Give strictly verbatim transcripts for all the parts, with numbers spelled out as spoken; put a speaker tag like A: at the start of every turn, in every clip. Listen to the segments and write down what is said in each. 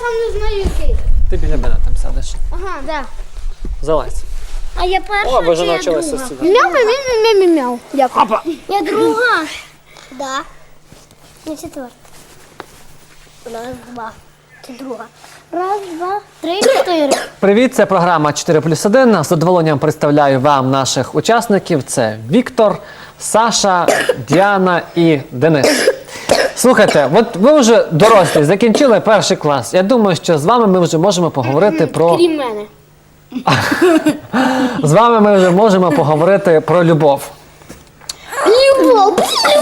A: сам не знаю який.
B: Ти біля мене там сядеш.
A: Ага, да.
B: Залазь.
A: А я перша
B: О, ви вже
A: чи я
B: навчилися
A: друга?
B: сідати.
A: Мяу, мяу, мяу, мяу, мяу. Дякую.
B: Опа!
A: Я друга. Да. Не четверта. Раз, два. Це друга. Раз, два, три, чотири.
B: Привіт, це програма чотири плюс один. З задоволенням представляю вам наших учасників. Це Віктор, Саша, Діана і Денис. Слухайте, от ви вже дорослі, закінчили перший клас. Я думаю, що з вами ми вже можемо поговорити про...
A: Крім мене.
B: З вами ми вже можемо поговорити про любов.
A: Любов.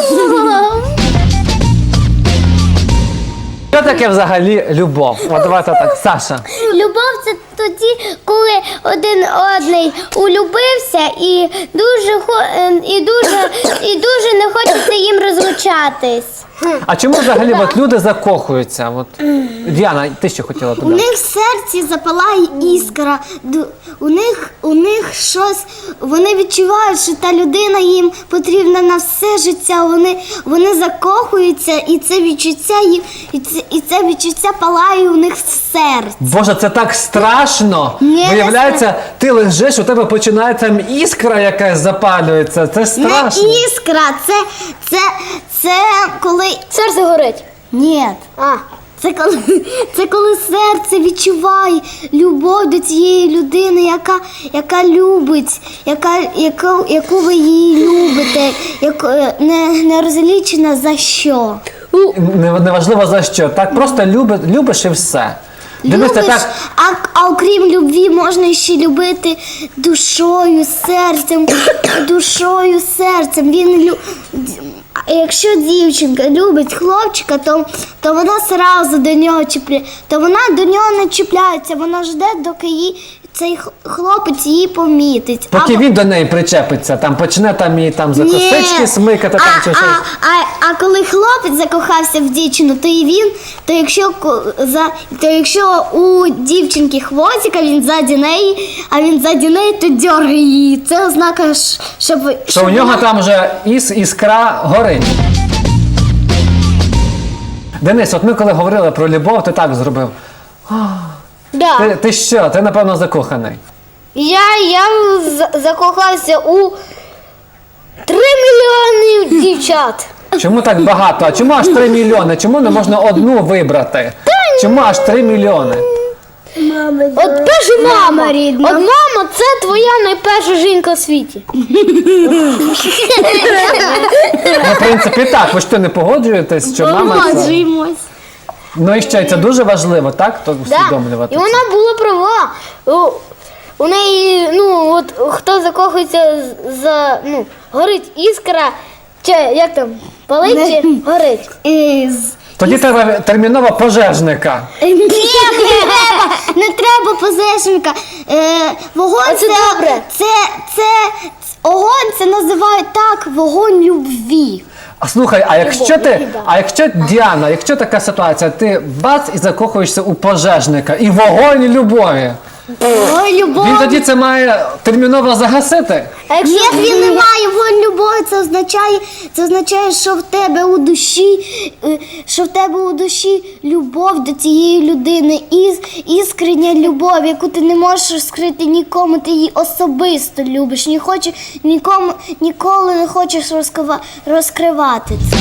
B: Що таке взагалі любов? От давайте так, Саша.
A: Любов це тоді, коли один одний улюбився і дуже хо- е, і дуже і дуже не хочеться їм розлучатись.
B: А чому взагалі от люди закохуються? От, Діана, ти що хотіла
C: У
B: додати?
C: них в серці запалає іскра, ду- у них, у них щось, вони відчувають, що та людина їм потрібна на все життя, вони, вони закохуються, і це відчуття їм, і це, і це відчуття палає у них в серці.
B: Боже, це так страшно!
C: Ні,
B: Виявляється, ти лежиш, у тебе починає там іскра якась запалюється. Це страшно.
C: Не іскра, це, це, це коли...
A: Серце горить.
C: Ні.
A: А.
C: Це коли, це коли серце відчуває любов до цієї людини, яка, яка любить, яка, яку, яку ви її любите, яку, не, не розлічена за що.
B: Не- Неважливо за що. Так просто люби, любиш і все. Дивися,
C: Любиш,
B: так,
C: а, а окрім любві можна ще любити душою, серцем, душою, серцем. Він лю... А якщо дівчинка любить хлопчика, то, то вона одразу до нього чіпляє, то вона до нього не чіпляється, вона жде, доки її, цей х- хлопець її помітить.
B: поки
C: А-
B: він до неї причепиться, там почне там її там за
C: Ні.
B: косички смикати, там
C: а,
B: чи щось.
C: а, а, а коли хлопець закохався в дівчину, то і він, то якщо ко- за то якщо у дівчинки хвостик, а він ззаді неї, а він ззаді неї, то дьоргає її. Це ознака, ж, щоб,
B: Що у нього там вже іс, іскра горить. Денис, от ми коли говорили про любов, ти так зробив.
A: Да.
B: Ти, ти що? Ти, напевно, закоханий.
A: Я, я за- закохався у три мільйони дівчат.
B: Чому так багато? А чому аж три мільйони? Чому не можна одну вибрати? Чому аж три мільйони?
A: От перша мама.
C: Мама рідна.
A: От мама це твоя найперша жінка в світі.
B: Ну, в принципі, так. Ви ж то не погоджуєтесь, що мама це...
C: Погоджуємось.
B: Ну і ще й це дуже важливо, так? То
A: Да.
B: усвідомлювати.
A: І
B: це.
A: вона була права. У, у неї, ну, от хто закохується з- за, ну, горить іскра, чи як там, палить чи горить.
C: Із...
B: Тоді треба терміново пожежника.
C: Ні, не треба, не треба позешника. Е, вогонь
A: А це
C: це,
A: добре.
C: це, це, огонь це називають так, вогонь любві.
B: А слухай, а якщо ти,
A: Любов, да.
B: а якщо Діана, якщо така ситуація, ти бац і закохуєшся у пожежника, і вогонь любові.
C: Ой, любов.
B: Він тоді це має терміново загасити.
A: А якщо
C: Ні, він не має вогонь любові, це означає, це означає, що в тебе у душі, е, що в тебе у душі любов до цієї людини, із, іскрення любов, яку ти не можеш скрити нікому, ти її особисто любиш, не хочеш нікому, ніколи не хочеш розкрива, розкривати це.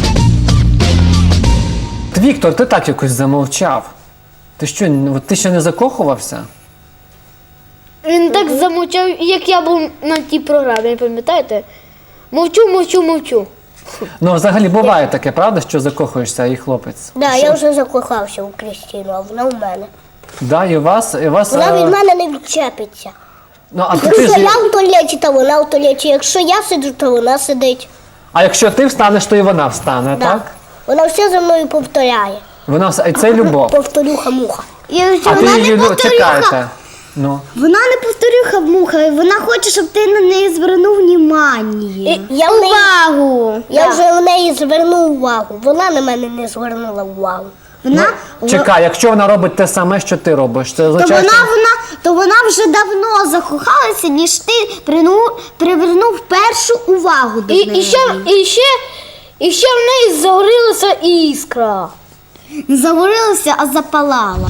B: Віктор, ти так якось замовчав. Ти що, от ти ще не закохувався?
A: він так замовчав, як я був на тій програмі, пам'ятаєте? Мовчу, мовчу, мовчу.
B: Ну, взагалі буває таке, правда, що закохуєшся і хлопець?
D: Да, я вже закохався у Крістіну, а вона в мене.
B: Да, і у вас, і у вас.
D: Вона
B: е,
D: від мене не відчепиться.
B: Ну, а ти
D: Якщо
B: ж,
D: я в туалеті, то вона в туалеті. Якщо я сиджу, то вона сидить.
B: а якщо ти встанеш, то і вона встане,
D: Да.
B: так?
D: Вона все за мною повторяє.
B: Вона вс- і це любов.
D: Повторюха-муха.
C: Якщо
B: А ти
C: вона
B: її
C: не
B: лю-
C: повторюха,
B: чекаєте. Ну.
C: вона не повторюха муха, вона хоче, щоб ти на неї звернув увагу.
D: Я, в неї,
C: Увагу.
D: я вже в неї звернув увагу. Вона на мене не звернула увагу.
C: Вона,
B: Чекай, якщо вона робить те саме, що ти робиш, це
C: то
B: означає,
C: вона,
B: що...
C: вона, то вона вже давно закохалася, ніж ти прину- привернув першу увагу до
A: І,
C: неї.
A: і, ще, і, ще, і ще в неї загорілася іскра.
C: Не загорілася, а запалала.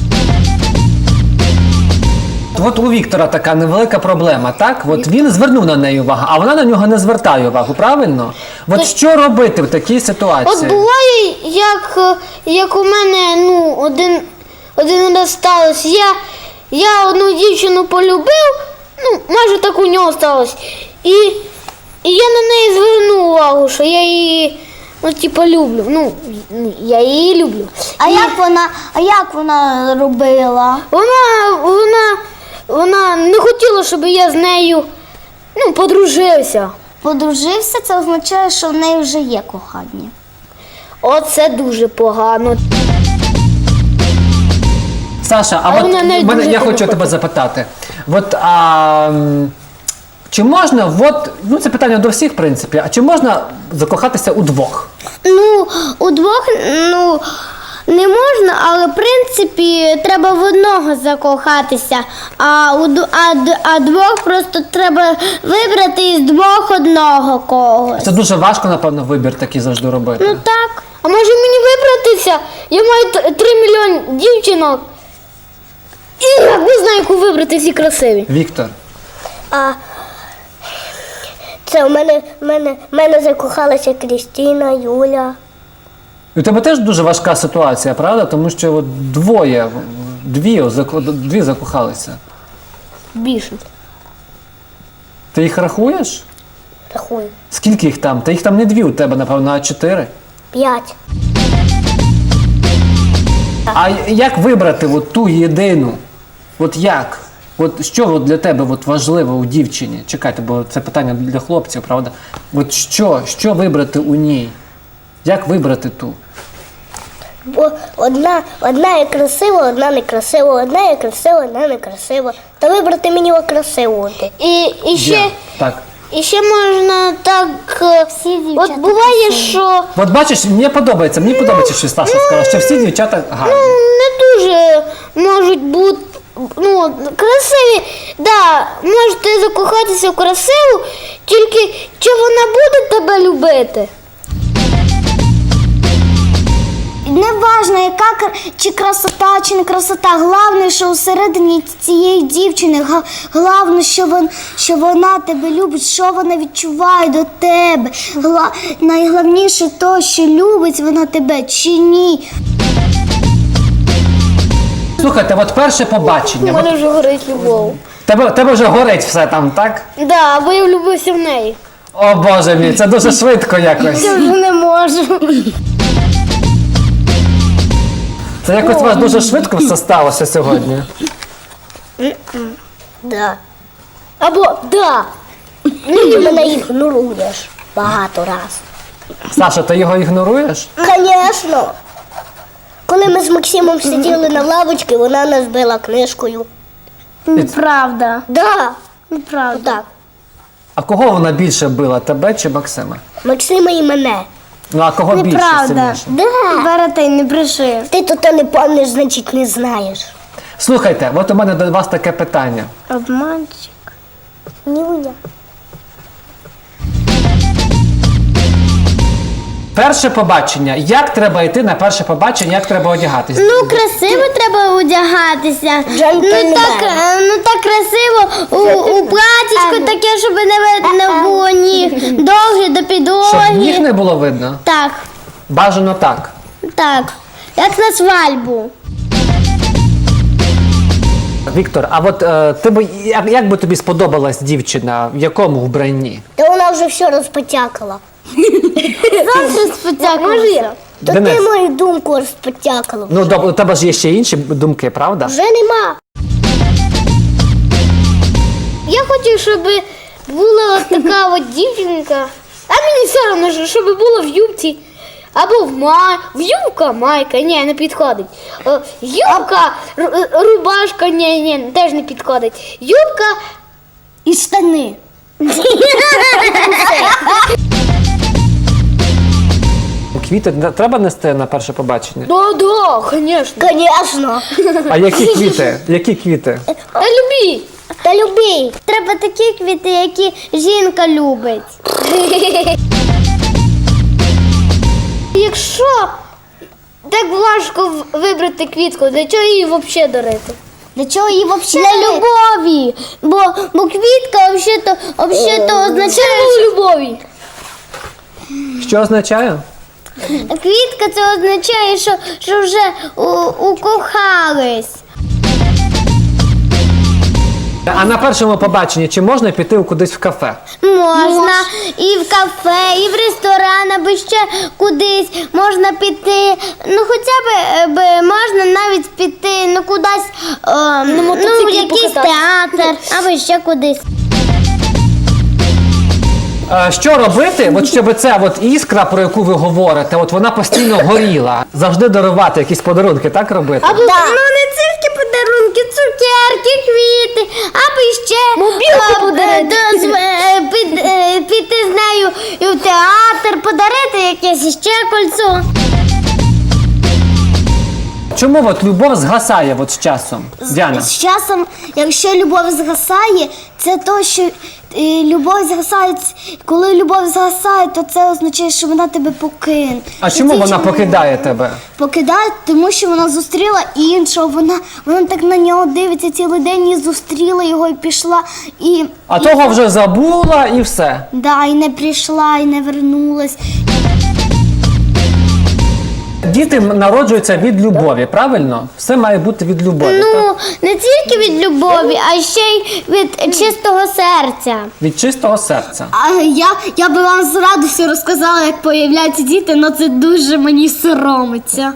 B: От у Віктора така невелика проблема, так? От він звернув на неї увагу, а вона на нього не звертає увагу, правильно? От що робити в такій ситуації?
A: От буває, як, е, як у мене ну, один, один раз сталося. Я, я одну дівчину полюбив, ну, майже так у нього сталося. І, і я на неї звернув увагу, що я її ну, типу, люблю. Ну, я її люблю.
C: А
A: І
C: як вона, а як вона робила?
A: Вона, вона, вона не хотіла, щоб я з нею ну, подружився.
C: Подружився, це означає, що в неї вже є кохання.
A: Оце дуже погано.
B: Саша, а,
A: А
B: от
A: вона навіть
B: мене,
A: дуже
B: я
A: тебе
B: хочу тебе
A: хоче.
B: запитати. От, а, м, чи можна, от, ну це питання до всіх, в принципі, а чи можна закохатися удвох?
C: Ну, удвох, ну, не можна, але в принципі треба в одного закохатися, а, у, д- а, д- а двох просто треба вибрати із двох одного когось.
B: Це дуже важко, напевно, вибір такий завжди робити.
C: Ну так.
A: А може мені вибратися? Я маю т- три мільйони дівчинок. І я не знаю, яку вибрати, всі красиві.
B: Віктор,
D: А це у мене, в мене, в мене закохалася Крістіна, Юля.
B: у тебе теж дуже важка ситуація, правда? Тому що от двоє, дві, зако- дві закохалися.
A: Більше.
B: Ти їх рахуєш?
D: Рахую.
B: Скільки їх там? Та їх там не дві у тебе, напевно, а чотири.
D: П'ять.
B: А як вибрати от ту єдину? От як? От що от для тебе от важливо у дівчині? Чекайте, бо це питання для хлопців, правда? От що, що вибрати у ній? Як вибрати ту?
D: Бо одна, одна є красива, одна не красива, одна є красива, одна не красива. Та вибрати мені красиву.
A: І, і, ще,
B: Є. Так.
A: і ще можна так. е, От буває, що
B: От бачиш, мені подобається, мені подобається, що Сташа сказала, що всі дівчата гарні.
A: ну, не дуже можуть бути ну, красиві. Да, можете закохатися в красиву, тільки чи вона буде тебе любити?
C: Не важно, яка кр- чи красота, чи не красота. Головне, що усередині цієї дівчини, га- головне, що, вон, що вона тебе любить, що вона відчуває до тебе. Гла- найголовніше то, що любить вона тебе чи ні.
B: Слухайте, от перше
A: У
B: побачення.
A: мене
B: От
A: вже горить любов.
B: тебе, тебе вже горить все там, так?
A: Да, бо я влюбився в неї.
B: О Боже мій, це дуже швидко якось.
C: Я вже не можу.
B: Це якось у вас дуже швидко все сталося сьогодні.
D: Да.
A: Або да.
D: Ти мене ігноруєш багато раз.
B: Саша, ти його ігноруєш?
D: Звісно. Коли ми з Максимом сиділи на лавочці, вона нас била книжкою.
C: Неправда.
D: Да.
C: Неправда.
D: Так.
B: А кого вона більше била, тебе чи Максима?
D: Максима і мене.
B: Ну а кого більше
C: Неправда.
B: сильніше?
D: Да.
C: Берете не бреши.
D: Ти тут не пам'ятаєш, значить не знаєш.
B: Слухайте, от у мене до вас таке питання.
C: Обманщик.
D: Нюня.
B: Перше побачення. Як треба йти на перше побачення, як треба одягатись?
C: Ну, красиво треба одягатися.
D: Джентльмен.
C: Ну так, е, ну так красиво у, у платічку таке, щоб не видно було ніг. Довгі до
B: Щоб
C: підлоги.
B: ніг не було видно?
C: Так,
B: Бажано так.
C: так. Як на свадьбу.
B: Віктор, а от е, ти би, як, як би тобі сподобалась дівчина, в якому вбранні?
D: Та вона вже все розпотякала.
C: Завтра спотякався.
D: То
B: Денис.
D: ти мою думку розпотякала.
B: Ну, доб- у тебе ж є ще інші думки, правда?
D: Вже нема.
A: Я хочу, щоб була от така от дівчинка. А мені все одно, що- щоб була в юбці. Або в май. В юбка, майка, ні, не підходить. Е, Юбка, ру- рубашка, ні, ні, теж не підходить. Юбка.
C: І штани.
B: Квіти не- треба нести на перше побачення?
A: Да, да, звісно.
D: Звісно.
B: А які квіти? Які квіти?
A: Та любі.
D: Та любий.
C: Треба такі квіти, які жінка любить.
A: Якщо так важко в- вибрати квітку. Для чого її взагалі дарити?
C: Для чого її взагалі?
A: Для любові. Бо, бо квітка взагалі-то, взагалі-то означає любові.
B: Що означає?
A: Квітка це означає, що, що вже у, укохались.
B: А на першому побаченні чи можна піти кудись в кафе?
A: Можна і в кафе, і в ресторан, або ще кудись можна піти. Ну хоча б е, б можна навіть піти ну кудись, е, ну, в якийсь театр, або ще кудись.
B: Е, Що робити, от щоб ця от іскра, про яку ви говорите, от вона постійно горіла. Завжди дарувати якісь подарунки, так робити?
A: Або ну не тільки подарунки, цукерки, квіти, або ще
D: Мобілку
A: е,
D: подарити.
A: е, з- е, під- е, піти з нею і в театр, подарити якесь ще кольцо.
B: Чому от любов згасає от з часом, Діана?
C: З часом, якщо любов згасає, це то, що е, любов згасає, коли любов згасає, то це означає, що вона тебе покине.
B: А
C: Що
B: чому
C: цей
B: вона
C: чоловік
B: покидає тебе?
C: Покидає, тому що вона зустріла іншого, вона, вона так на нього дивиться цілий день і зустріла його і пішла, і,
B: А
C: і,
B: того вже забула і все.
C: да, і не прийшла, і не вернулась.
B: Діти народжуються від любові, правильно? Все має бути від любові. так?
A: Ну, не тільки від любові, а ще й від чистого серця.
B: Від чистого серця.
C: А я, я би вам з радістю розказала, як появляються діти, але це дуже мені соромиться.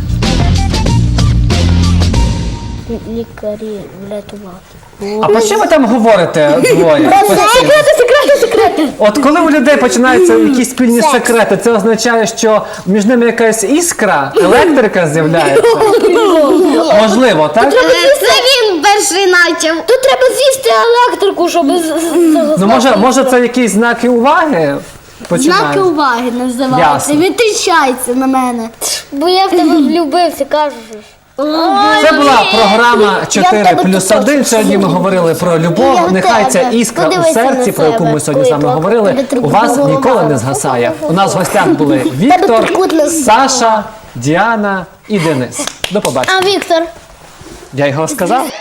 A: Лікарі врятувати.
B: А про що ви там говорите двоє?
A: Секрети, секрети, секрети.
B: От коли у людей починаються якісь спільні секрети, це означає, що між ними якась іскра, електрика з'являється? Можливо, так?
C: Це він перший начав.
A: Тут треба з'їсти електрику, щоб з- з-
B: Ну може, може це якісь знаки уваги?
C: Знаки
B: Починають?
C: уваги називаються.
B: Ясно.
C: Витріщається на мене.
A: Бо я в тебе влюбився, кажу.
B: Це була програма чотири
A: тебе
B: плюс
A: також
B: один. Сьогодні ми говорили про
A: Я
B: любов.
A: в
B: Нехай ця
A: тебе.
B: іскра у
A: Подивися
B: серці,
A: на
B: про яку
A: себе,
B: ми сьогодні з
A: коли
B: вами говорили,
A: тебе
B: у
A: трикутна
B: вас
A: голова.
B: ніколи не згасає. У нас в гостях були Віктор,
D: трикутна
B: Саша, Діана і Денис. До побачення.
A: А Віктор?
B: Я його сказав.